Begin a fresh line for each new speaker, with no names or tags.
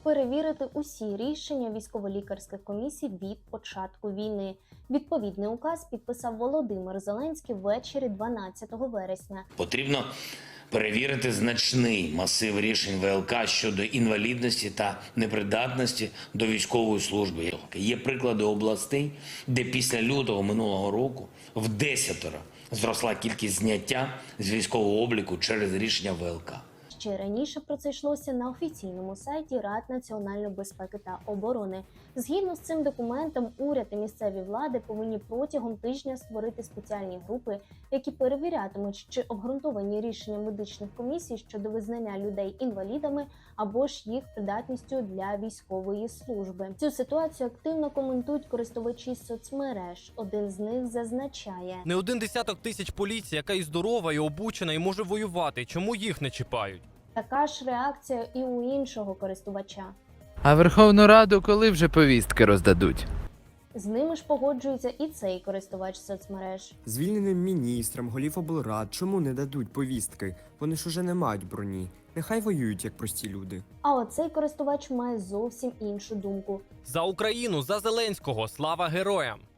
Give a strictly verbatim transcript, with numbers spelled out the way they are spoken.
перевірити усі рішення військово-лікарських комісій від початку війни. Відповідний указ підписав Володимир Зеленський ввечері дванадцятого вересня.
Потрібно перевірити значний масив рішень ВЛК щодо інвалідності та непридатності до військової служби. Є приклади областей, де після лютого минулого року в десятеро зросла кількість зняття з військового обліку через рішення ВЛК.
Ще раніше про це йшлося на офіційному сайті Ради національної безпеки та оборони. Згідно з цим документом, уряд і місцеві влади повинні протягом тижня створити спеціальні групи, які перевірятимуть, чи обґрунтовані рішення медичних комісій щодо визнання людей інвалідами або ж їх придатністю для військової служби. Цю ситуацію активно коментують користувачі соцмереж. Один з них зазначає:
не один десяток тисяч поліції, яка і здорова, і обучена, і може воювати. Чому їх не чіпають?
Така ж реакція і у іншого користувача.
А Верховну Раду коли вже повістки роздадуть?
З ними ж погоджується і цей користувач соцмереж.
Звільненим міністрам, голів облрад чому не дадуть повістки? Вони ж уже не мають броні. Нехай воюють, як прості люди.
А оцей користувач має зовсім іншу думку.
За Україну, за Зеленського, слава героям!